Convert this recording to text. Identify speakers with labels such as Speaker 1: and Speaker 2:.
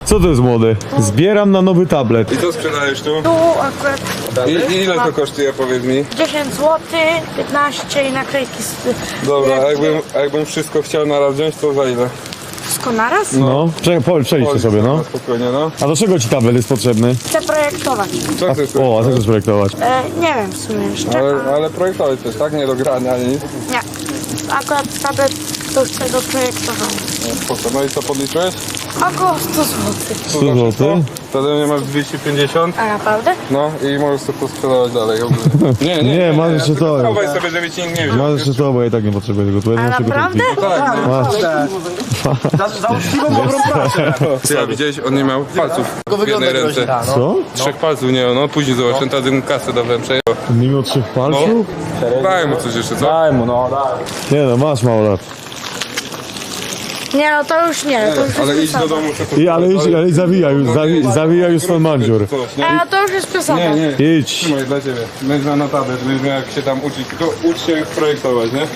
Speaker 1: Co to jest młody? Zbieram na nowy tablet.
Speaker 2: I co sprzedajesz tu?
Speaker 3: Tu akurat
Speaker 2: Ile to kosztuje, powiedz mi?
Speaker 3: 10 zł, 15 i naklejki
Speaker 2: Dobra, a jakbym wszystko chciał na raz wziąć, to za ile?
Speaker 3: wszystko naraz?
Speaker 1: No, przejdźcie sobie, no.
Speaker 2: Spokojnie, no.
Speaker 1: A do czego ci tablet jest potrzebny?
Speaker 3: Chcę projektować.
Speaker 2: Co chcesz?
Speaker 1: O, a co chcesz projektować?
Speaker 3: Nie wiem w sumie jeszcze.
Speaker 2: Ale projektować też, tak? Nie do grania, ani nic.
Speaker 3: Nie. Akurat tablet to chcę do projektowania.
Speaker 2: Spoko. No i co, podliczyłeś?
Speaker 3: Około 100 zł.
Speaker 1: 100 zł?
Speaker 2: Wtedy mnie masz 250.
Speaker 3: A naprawdę?
Speaker 2: No i możesz sobie to sprzedawać dalej.
Speaker 1: Nie, masz jeszcze to.
Speaker 2: Chowaj sobie, żeby ci nikt nie wziął.
Speaker 1: Masz jeszcze to, bo ja i tak nie potrzebuję tego. Tu
Speaker 3: A naprawdę?
Speaker 2: Tak, no.
Speaker 1: Masz.
Speaker 4: Za uczciwą dobrą pracę.
Speaker 2: Ja widziałeś, on nie miał palców w jednej ręce.
Speaker 1: Co?
Speaker 2: 3 palców nie miał, no później zobaczyłem, wtedy mu kasę dałem, przejął.
Speaker 1: Nie miał 3 palców?
Speaker 2: Daj mu coś jeszcze, co?
Speaker 4: Daj mu, no daj.
Speaker 1: Nie no, masz mało lat.
Speaker 3: Nie, no to już nie. To już
Speaker 2: Ale
Speaker 3: jest
Speaker 2: idź do
Speaker 3: przesada.
Speaker 2: domu.
Speaker 1: Ale zawija już ten mandziur.
Speaker 2: Coś, nie?
Speaker 3: A to już jest przesada.
Speaker 2: Nie, nie.
Speaker 1: Idź.
Speaker 2: Trzymaj dla ciebie. Będziesz miał na tablet, będziesz miał jak się tam uczyć. Tylko ucz się projektować, nie?